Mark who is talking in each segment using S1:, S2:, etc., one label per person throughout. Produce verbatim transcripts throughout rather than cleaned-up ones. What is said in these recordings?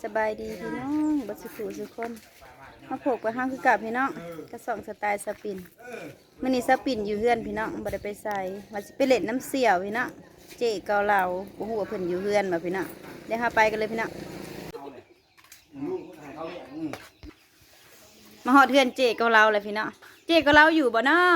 S1: บายดีพี่น้องบัดสุขุสุกคนมาพบกับห้างคือกับพี่น้องกระสองสไตล์สปินมื่อนี้สปินอยู่เฮือนพี่น้องบ่ได้ไปใส่มาสิไปเล่นน้ำเสี่ยวพี่น้องเจ๊เกาเหลาบ่ฮู้ว่าเพิ่นอยู่เฮือนมาพี่น้องเดี๋ยวหาไปกันเลยพี่น้องมาฮอดเฮือนเจ๊เกาเหลาเลยพี่น้องเจ๊เกาเหลาอยู่บ่เนาะ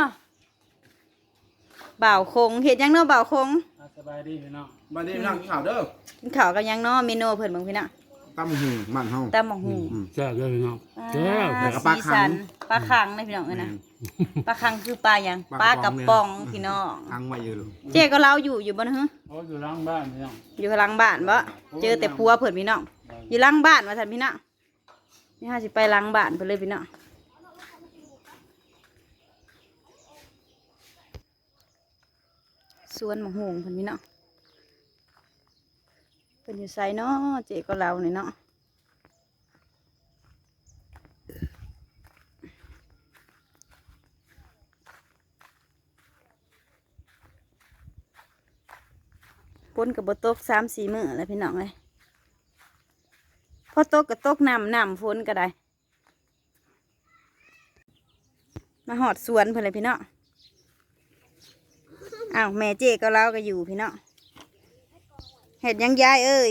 S1: บ่าวคงเฮ็ดยังเนาะบ่าวคง
S2: สบายดีพี่น้อง
S3: สบายดีพี่น้องกินข้าวเด้อ
S1: กินข้าวกับยังเนาะเมนูเพิ่นเบิ่งพี่น้อง
S3: ตำหูมันเฮา
S1: ตำบักหุ่ง
S2: แซ่บเลยพี่น้องแซ่บ
S1: แต่กับปลาคังปลาคังนะพี่น้องเอ้ยนะปลาคังคือปลาอย่างปลากระป๋องพี่น้อง
S3: คังไว้อยู่ลูก
S1: เจ๊ก็เล่าอยู่อยู่บ่นะฮะ
S2: โอ้อยู่หลังบ้านพี่น้อง
S1: อยู่หลังบ้านบ่เจอแต่ผัวเพิ่นพี่น้องอยู่หลังบ้านว่าซั่นพี่น้องนี่ฮะสิไปหลังบ้านเพิ่นเลยพี่น้องสวนมะฮุงเพิ่นพี่น้องเพิ่นอยู่ไสเนาะเจ๊ก็เล่านี่เนาะฝนกับบตกสามสี่มื้อแล้วพี่น้องเลยพอตกกับตกน้ำน้ำฝนก็ได้มาหอดสวนเพื่อนเลยพี่น้องอ้าวแม่เจ๊ก็เล่าก็อยู่พี่น้องเห็ดยังยายเอ้ย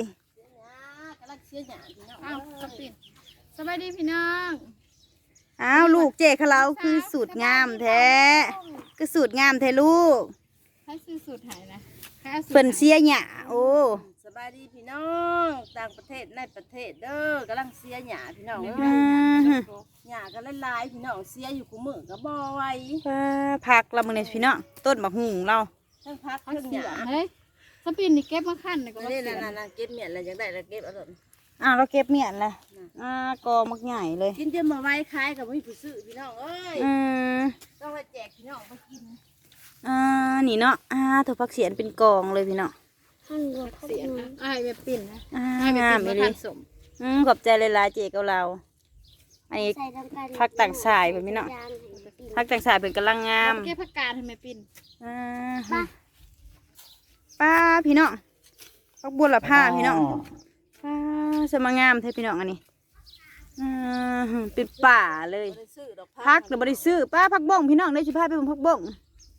S4: อ้าวสบายดีพี่น้อง
S1: อ้าวลูกเจ๊เขาเล่าคือสูตรงามแท้คือสูตรงามแท้ลูก
S4: ให้ซื้อสูตรหายนะ
S1: เปิ่นเสียหยาโอ้
S5: สบายดีพี่น้องต่างประเทศในประเทศเด้อกำลังเสียหยาพี่น้องหยากันหลายๆพี่น้องเสียอยู่กูมือกับบ่อไว้
S1: พักเราเมื่อนี้พี่น้องต้นมะฮุงเรา
S5: ทั้งพักทั้งหยา
S4: เฮ้ยสปินนี่เก็บมาขั้นเลยก็
S5: นี่นั่นๆเก็บเมียนอะไรยังได้แล้วเก็บเอาหมด
S1: อ้าวเราเก็บเมียนเลยอ่ากอมักใหญ่เลย
S5: กินเดี๋ยวมาไว้ขายกับพี่ผู้ซื้อพี่น้องเอ้ยต้องไปแจกพี่น้องไปกิน
S1: อ่านี่เนาะอ่าถั่วผักเสียนเป็นกองเลยพี่เนาะ
S4: เสียนะไอ้แบบปิ่นนะ
S1: ไอ้แบบปิ่นมาทานสมอืมขอบใจเลยลาเจ๊กับเราอันนี้ผักต่างสายแบบนี้เนาะผักต่างสายเป็นกำลังงาม
S4: เก็บผักกาดทำไมปิ่น
S1: อ่าป้าพี่เนาะผักบัวละผ้าพี่เนาะป้าสมางามเท่พี่เนาะอันนี้อ่าเป็นป่าเลยพักเดี๋ยวบริซื้อป้าพักบ้งพี่น้องได้ชิพาไปบนพักบ้ง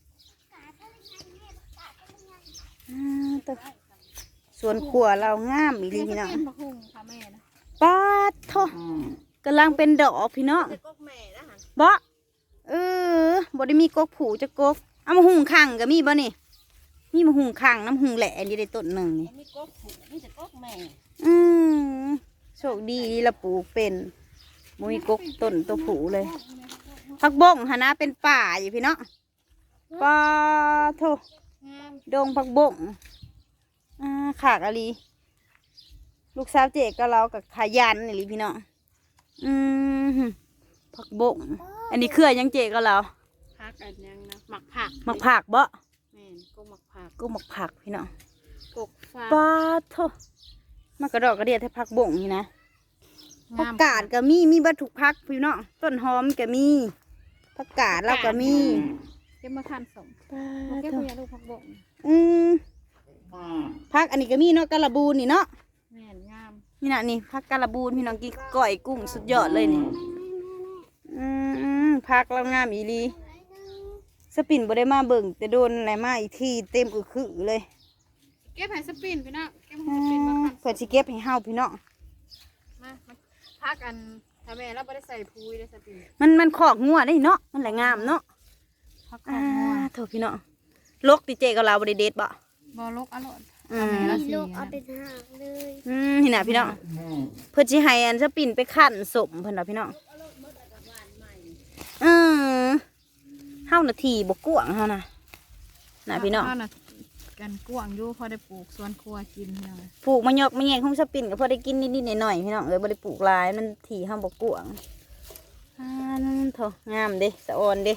S1: ส่วนขัวเรางามอีหลีพี่น้องป้าทอกำลังเป็นดอกพี่น้องบ่เออบ่ได้มีกกผูจะกกเอามาหุงขังก็มีบ่นี่มีมาหุงขังน้ำหุงแหล่นี่ได้ต้นหนึ่งนี่
S5: มีกกผูมีแต่กกแม่
S1: อืมโชคดีละปลูกเป็นมุ้ยกกต้นตัวผูเลยผักบงหะนะเป็นป่าอยู่พี่น้องป้าโทดงผักบงอ่าขากอะไรลูกสาวเจ๊ก็เรากับขยันนี่ลิพี่น้องอืมผักบงอันนี้เครือยังเจ๊ก็เรา
S4: ผักอันยังนะหมักผัก
S1: หมักผักบ่
S4: แม่นกุ้งหมักผัก
S1: กุ้งหมักผักพี่น้อง
S4: กกฟ้า
S1: ปลาโทมากระดอกกระเดียดให้ผักบงนี่นะผักกาดก็มีมีบัตถุผักพี่น้องต้นหอมก็มีผักกาดเราก็มี
S4: เก็บมาทานสมเก็บมาลูกผักบง
S1: อืมผักอันนี้ก็มีเนาะกะละบูนนี่เนาะ
S4: แม่นงาม
S1: นี่นะนี่ผักกะละบูนพี่น้องกินก้อยกุ้งสุดยอดเลยนี่อืมผักเรางามอีลีสปินบ่ได้มาเบิ่งแต่โดนอะไรมาอีกทีเต็มอึกคือเลย
S4: เก็บให้สปินพี่น้องเก็บให้สปินมาทาน
S1: เพื่อสิเก็บให้เฮาพี่น้อง
S4: มาผักอันทำไมเราไม่ได้ใส่พุยได้สปิน
S1: มันมันขอกงัวได้เนาะมันแหละงามเนาะ
S4: ผักขอกงัว
S1: โถพี่น้องลกติเจกับเราบริเดตบ่
S4: บ่ลกอร่อย
S1: อืม
S4: ลกเอาไปทาน
S1: เลยอืมนี่นะพี่น้องเพื่อสิให้อันสปินไปคั่นสมเพิ่นน่ะพี่น้องอือเฮานาทีบ่กวางเฮานะน่ะพี่น้อง
S4: กันกวางอยู่พอได้ปลูกสวนครัวกินพี่น้อง
S1: ปลูกมะยกมะแยงของสปินก็พอได้กินนิดๆหน่อยๆพี่น้องเอ้ยบ่ได้ปลูกหลายมันที่เฮาบ่กวางอ่านั่นโถงามเด้สะออนเด้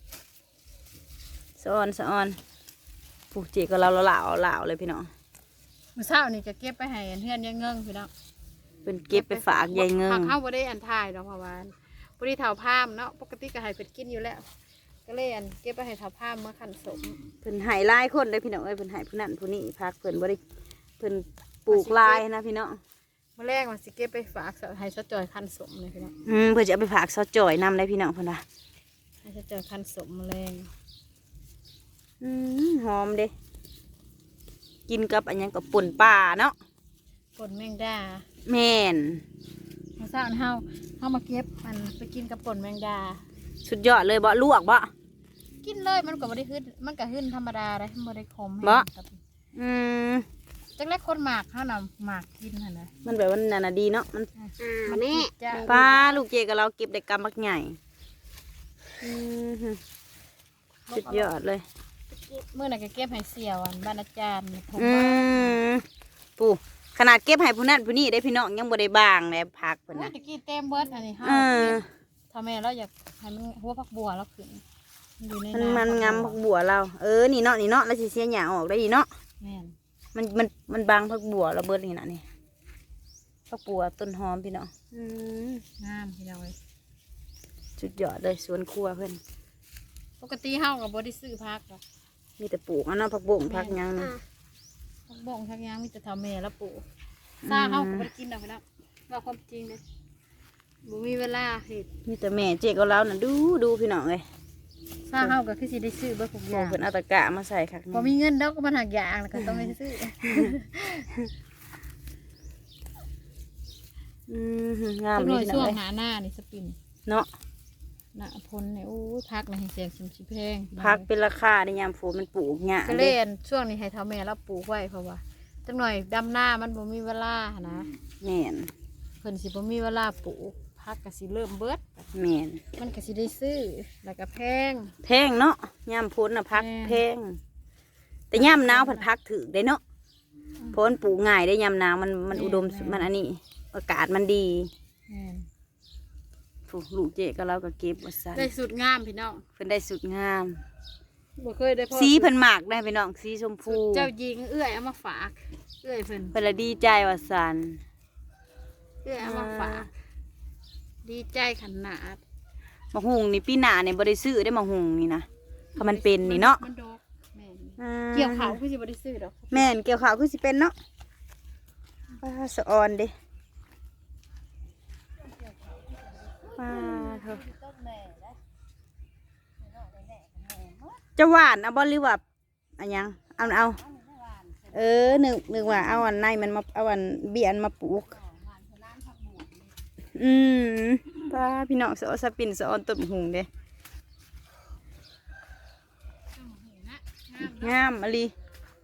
S1: สะออนสะออนปลูกเจ๊ก็เราเหล่าเหล่าเลยพี่น้อง
S4: เมื่อเช้านี่จะเก็บไปให้เพื่อนยังเงิงพี่น้อง
S1: เป็นเก็บไปฝากยายเงิง
S4: เข้าบ่ได้อันทายดอกเพราะว่าบ่ได้เฒ่าพามเนาะปกติก็ให้เพิ่นกินอยู่แล้วก็เลยอันเก็บไปให้เฒ่าพามเมื่อคั่นสม
S1: เพิ่นให้หลายคนเลยพี่น้องเอ้ยเพิ่นให้ผู้นั้นผู้นี้พักเพิ่นบ่ได้เพิ่นปลูกลายนะพี่น้อง
S4: บ่มาแรกมันสิเก็บไปฝากให้สะจอยคันสมเลยพี่น้อง
S1: อืมเพื่อจะเอาไปฝากซอจ่อยนำเลยพี่น้องเพิ่นว่า
S4: ให้สะจอยคันสมมาแรง
S1: อืมหอมเด้กินกับอันหยังกับป่นป่าเนาะ
S4: ปนแมงดา
S1: แม่น
S4: เขาสร้างเฮาเฮามาเก็บมันไปกินกับปนแมงดา
S1: สุดยอดเลยบ่ลวกบ่
S4: กินเลยมันก็บ่ได้ขึ้นมันก็ขึ้นธรรมดาเลยบ่ได้ขม
S1: บ่
S4: กับ
S1: อืม
S4: จักแรกคนหมากเฮานำหมากกินหั่นน่ะ
S1: มันแบบว่านั่นน่ะดีเนาะมัน
S4: มันนี่จะ
S1: ป้าลูกเจกับเราเก็บได้กำบักใหญ่อืมสุดยอดเลย
S4: มื้อนั้นก็เก็บให้เสี่ยวอันบ้านอาจารย์ผม
S1: อื
S4: ว่าม
S1: ปู่ขนาดเก็บให้ผู้นั้นผู้นี้ได้พี่น้องยังบ่ได้บางเลยพักเพิ่น
S4: โอ้ย
S1: น่ะ
S4: ตะกี้เต็มเบิดอันนี้เฮา
S1: เออ
S4: ถ้าแม่เราอยากให้มันหัวผักบัวเราขึ้นอยู่ใน
S1: มัน
S4: ำ
S1: มันงามผักบัวเรา เออนี่เนาะนี่เนาะแล้วสิเสียหญ้าออกได้ดีเนาะ
S4: แม่น
S1: มันมันมันบางผักบัวเราเบิดนี่น่ะนี่ผักบัวต้นหอมพี่น้องอืม
S4: งามพี่น้องเอ้ย
S1: สุดยอดเลยสวนครัวเพิ่น
S4: ปกติเฮาก็บ่ได้ซื้อผักหรอก
S1: มีแต่ปลูกอันเนาะผักบุ้งผักหยังนะ
S4: ผักบ่งทักอย่างมีแต่เท่าแม่แล้วปลูกซาเฮาก็บ่ได้กินดอกพี่น้องว่าความจริงเด้บ่มีเวลาเฮ็ด
S1: มีแต่แม่เจ๊กับเราน่ะดูดูพี่น้องเลย
S4: ซาเฮาก็คือสิได้ซื้อเบิดทุกอ
S1: โอ้
S4: ย่าง
S1: เพิ่นเอาตะกะมาใส่คัก
S4: บ่มีเงินดอกก็มันหักอย่างแล้วก็ต้องไปซื้อ
S1: อืมงาม
S4: จักห
S1: เล
S4: น่อย
S1: ยพี่น้
S4: ช่
S1: อ
S4: ว
S1: ง
S4: ง
S1: เลย
S4: หน้าหน้านี่สปิน
S1: เนาะ
S4: หน้าพลนี่โอ้ยพักนี่ให้เสียงสิมสิแพง
S1: พักเป็นราคาในยามฝนมันปลูกหญ้า
S4: ก็
S1: เด้
S4: เล่นช่วงนี้ให้เท่าแม่เราปลูกไว้เพราะว่าจักหน่อยดำหน้ามันบ่มีเวลาหั้นนะ
S1: แม่น
S4: เพิ่นสิบ่มีเวลาปลูกพักก็สิเริ่มเบิด
S1: แม่น
S4: มันก็สิได้ซื้อแล้วก็แพง
S1: แพงเนาะยามฝนน่ะพัก
S4: แพง
S1: แพงแต่ยามหนาวผัดพักถึกได้เนาะเพราะมันปลูกง่ายได้ยามหนาวมันมันอุดมมันอันนี้อากาศมันดี
S4: แม่น
S1: ผูกลูกเจ๊กับเราก็เก็บว่าซั่น
S4: ได้สุดงามพี่น้อง
S1: เพิ่นได้สุดงาม
S4: บ่เคยได้พอ
S1: สีเพิ่นหมากได้พี่น้องสีชมพู
S4: เจ้าหญิงเอื้อยเอามาฝากเอื้อยเพิ่น
S1: เพิ่นละดีใจว่าซั่น
S4: เอื้อยเอามาฝากดีใจขนาด
S1: มะฮุงนี่ปีหน้าเนี่ยบ่ได้ซื้อได้มะฮุงนี่นะเพราะมันเป็นนี่เนาะ
S4: มันดอกแม่น
S1: อ่า
S4: เกี่ยวขาวคือสิบ่ได้ซื้อดอก
S1: แม่นเกี่ยวขาวคือสิเป็นเนาะป้าสะออนเด้ป้าเถอะจะหวานเอาบ่หรือว่าอันยังเอาเอาเออนึกนึกว่าเอาอันในมันมาเอาอันเบียนมาปลูกอืมป้าพี่น้องสะออนสะปินสะออนต้นมะฮุงเด้งามอะลี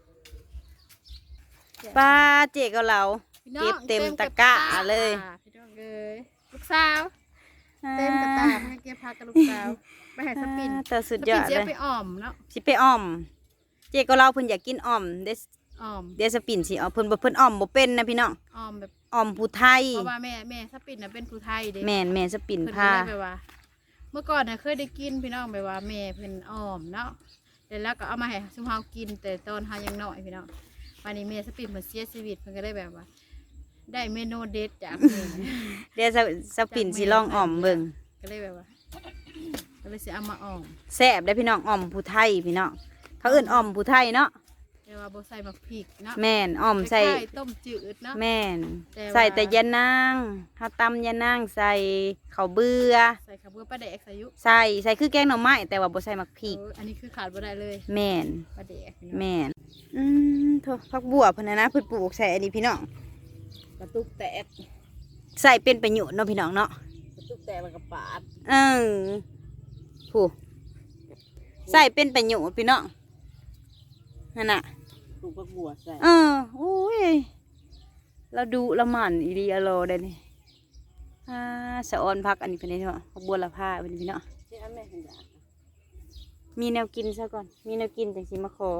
S1: ป้าเจ๊กับเรา
S4: พี่น้อง
S1: เก็บเต็มตะกร้าเลย
S4: พี่น้องเลยลูกสาวเต็มกระตาให้เก็บพักกับลูกสาวไปให้สปิน
S1: แต่สุด
S4: ส
S1: ย
S4: ปิ
S1: อน ด
S4: เสีย
S1: เลย
S4: ไปอ่อมเนาะ
S1: สิไปอ้อม เจ๊กับเราเพิ่นอยากกินอ้อมเดส
S4: อ่อม
S1: เดสปินสิเอาเพิ่นบ่เพิ่นอ้อมบ่เป็นนะพี่น้อง
S4: อ่อมแบบ
S1: อ้อมผู้ไทย
S4: เพราะว่าแม่แม่สปินน่ะเป็นผู้ไทยเด้
S1: แม่นแม่สปิน
S4: เพิ่นก็
S1: ผ้า
S4: เลยแบบว่า เมื่อก่อนน่ะเคยได้กินพี่น้องแบบว่าแม่เพิ่นอ่อมเนาะแล้วก็เอามาให้ซุมเฮากินแต่ตอนเฮายังน้อยพี่น้องวันนี้แม่สปินเพิ่นเสียชีวิตเพิ่นก็ได้แบบว่า ได้เมนูเด็ดจากเพิ่น
S1: เดี๋ยวสสปินสิลองอ้อมเบิ่ง
S4: ก็เลยแบบว่าก็เลยสิเอามาอ่อม
S1: แซ่บได้อพี่น้องอ้อมผู้ไทยพี่น้องเขาเอิ้นอ้อมผู้ไทยเนาะ
S4: แต่ว่าบ่ใส่มะพริกเนาะ
S1: แม่นอ้อมใส่
S4: คล้ายๆต้มจืดเนาะ
S1: แม่น
S4: แต่ว่า
S1: ใส่แต่ยานางเฮาตำยานางใส่ข้าวเบื่อ
S4: ใส่ข้าวเบื่อปลาแดกใส่ยุ
S1: ใส่ใส่คือแกงหน่อไม้แต่ว่าบ่ใส่มักพริก
S4: เอออันนี้คือขาดบ่ได้เลย
S1: แม่น
S4: ปลาแดกพี่น้อง
S1: แม่นอืมโถผักบัวเพิ่นน่ะนะเพิ่นปลูกใส่อันนี้พี่น้อง
S5: กระตุกแตก
S1: ใส่เป็นประโยชน์เนาะพี่น้องเนาะ
S5: กระตุกแตกแล้วก็ปาด
S1: เออผู้ใส่เป็นประโยชน์พี่น้องนั่นน่ะ
S5: ปลูกผักบัวใส่
S1: เออโอ้ยเราดูละหมันอีดีอะโลได้นี่อ่าสะออนพักอันนี้เป็นไงเนาะผักบัวละผ้าเป็นพี่เนาะ
S5: ที่อันแม่เห็นอยาก
S1: มีแนวกินซะก่อนมีแนวกินจังสิมาขอ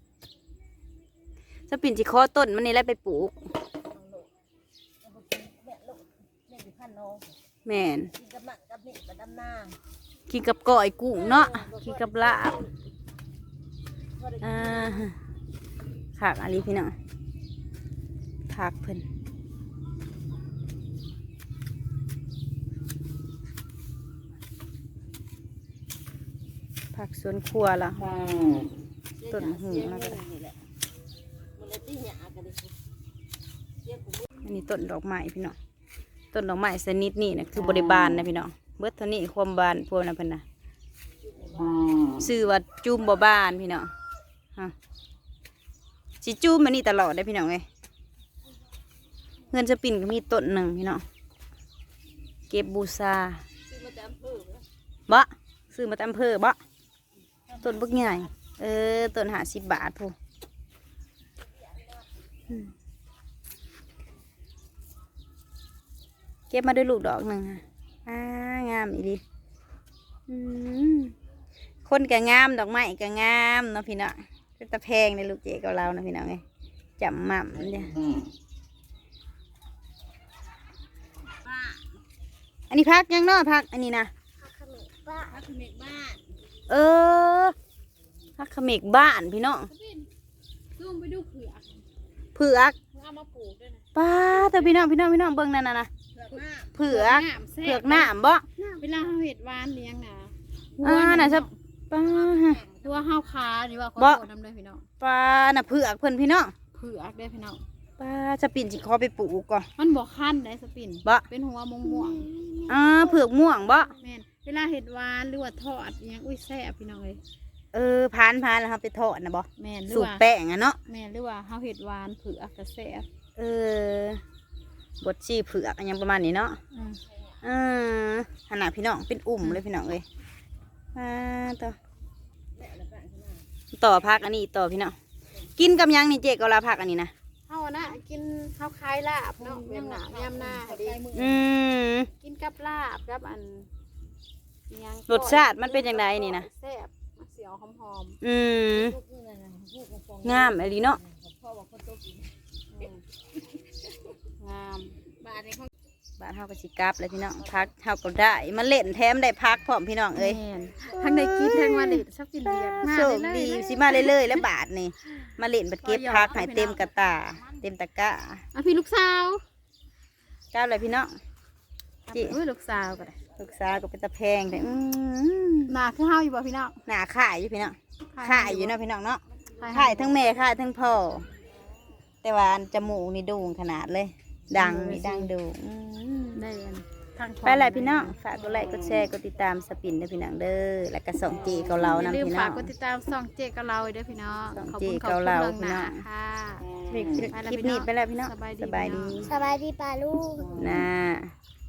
S1: สปินสิขอต้นมันนี่แหละไปปลูก
S5: แม่อยู่พันน้อง
S1: แม่น
S5: กินกับมันกับนี่กับดำนา
S1: กินกับก้อยกุ้งเนาะกินกับลาบอ่าผักอันนี้พี่น้องผักเพิ่นผักสวนครัวละ ต้นหู
S5: เสีย
S1: แล้วก็
S5: เงินนี่แหละมันเลยตีหยากันดิเสียกู
S1: นนนี้ต้นดอกไม้พี่น้องต้นดอกไม้ชนิดนี้นะคือบริบาลนะพี่น้องเบิดเท่านี้ความบานพวกนั้นเพิ่นนะชื่อว่าจุ่มบ่บานพี่น้องฮะสิจุ่มมันนี่ตลอดได้พี่น้องเลยเงินสปินก็มีต้นหนึ่งพี่น้องเก็บบูชาบ่ซื้อมาตามอำเภอบ่ต้นบักใหญ่เออต้นหาสิบบาทพูเก็บมาด้วยลูกดอกหนึ่งค่ะอ่างามอีดีอืมคนก็งามดอกไม้ก็งามเนาะพี่น้องเป็นตะแพงในลูกเจ๊กับเรานะพี่น้องไงจำหม่ำเนี่ยอันนี้พักยังเนาะพักอันนี้นะ
S5: พักเขมกบ้าน
S1: เออพักเขมกบ้านพี่น้อง
S4: ซูมไปดูเผือก
S1: เผือก
S4: เอามาปลูกด้วยนะ
S1: ป้าแต่พี่น้องพี่น้องพี่น้องเบิ่งนั่นน่ะนะ
S5: เผือกมาก
S1: เผือกเผือกหน้ำบ่
S4: เวลาเขาเห็ดหวานเลี้ยงนะ
S1: อ่าน่ะจะป้า
S4: ตัวห้าวขาหรือว่าเขา
S1: บ่
S4: โตน้ำเลยพี่น้อง
S1: ป้าน่ะเผือกเพิ่นพี่น้อง
S4: เผือกได้พี่น้อง
S1: ป้าจะปิ่นสิขอไปปลูกก่อน
S4: มันบอกขั้นได้สปิน
S1: บ่
S4: เป็นหัวม่วงม่วง
S1: อ่าเผือกม่วงบ่
S4: ๆแม่นเวลาเห็ดหวานหรือว่าทอดอิหยังอุ้ยแซ่บพี่น้องเลย
S1: เออพานพานแล้วเฮาไปทอดนะบ่
S4: แม่นหรือ
S1: สูตร
S4: ว่า
S1: แป้งอ่ะเนาะ
S4: แม่นหรือว่าเขาเห็ดหวานเผือกกระแซ่บ
S1: เออบดชีเผือกอันยังประมาณนี้เนาะ
S4: อืม
S1: เออขนาดพี่น้องเป็นอุ่มเลยพี่น้องเลยอ่าต่อต่อพักอันนี้ต่อพี่น้องกินกับหยังนี่เจ๊ก็ลาพักอันนี้นะ
S4: เขาอะนะกินข้าวคล้ายลาบเนาะยำหนายำหน้าดี
S1: อืม
S4: กินกับลาบกับอันอิหยัง
S1: รสชาติมันเป็นจังไดนี่นะ
S4: แซ่บมันเสียวหอม
S1: อืมงามอะไรเนาะ
S4: ๆงาม
S5: บ้านนี้เขา
S1: บ้านเฮาก็สิกลับเลยพี่น้องพักเฮาก็ได้มาเล่นแถมได้พักพร้อมพี่น้องเอ้ย
S4: แม่นทั้งได้กินทั้งวันนี้ชักกินเบียร์มา
S1: โชค
S4: เลย
S1: ดี
S4: เลย
S1: สิมาเรื่อยๆแล้วบาทนี่มาเล่นบัดเก็บพักให้เต็มกระตา เต็มตะกร้า
S4: อ่ะพี่ลูกสาว
S1: เจ้าเลยพี่น้อง จิ
S4: อุ้ยลูกสาวก็ได้
S1: ลูกสาวก็เป็นตะแพงแต่อืม
S4: หนาคือเฮาอยู่บ่พี่น้อง
S1: หน้าขายอยู่พี่น้องขายอยู่เนาะพี่น้องเนาะ
S4: ขาย
S1: ขายทั้งแม่ขายทั้งพ่อแต่ว่าอันจมูกนี่โด่งขนาดเลย ดังนี่ดังโด่งอืม
S4: ได้อันทาง
S1: ไปเลยพี่น้องฝากกดไลค์กดแชร์กดติดตามสปินเด้อพี่น้องเด้อแล้วก็ส่องจีเกาเรา
S4: อย่า
S1: นำ
S4: ลืม
S1: พี่น้
S4: ฝา
S1: อก ง
S4: กดติดตามส่องเจกับเราเด้อพี่น้อง
S1: ส่อง
S4: ขอบ
S1: เจ
S4: คุณขอบ
S1: เกา
S4: คุณ
S1: เรา
S4: เรื่องหนา
S1: พี่น้อง
S4: ค่ะ
S1: คลิปนี้ไปแล้วพี่น้อง
S4: สบายดี
S1: สบายดี
S4: พี่น้อง
S5: สบายดีป่าลูก
S1: นะ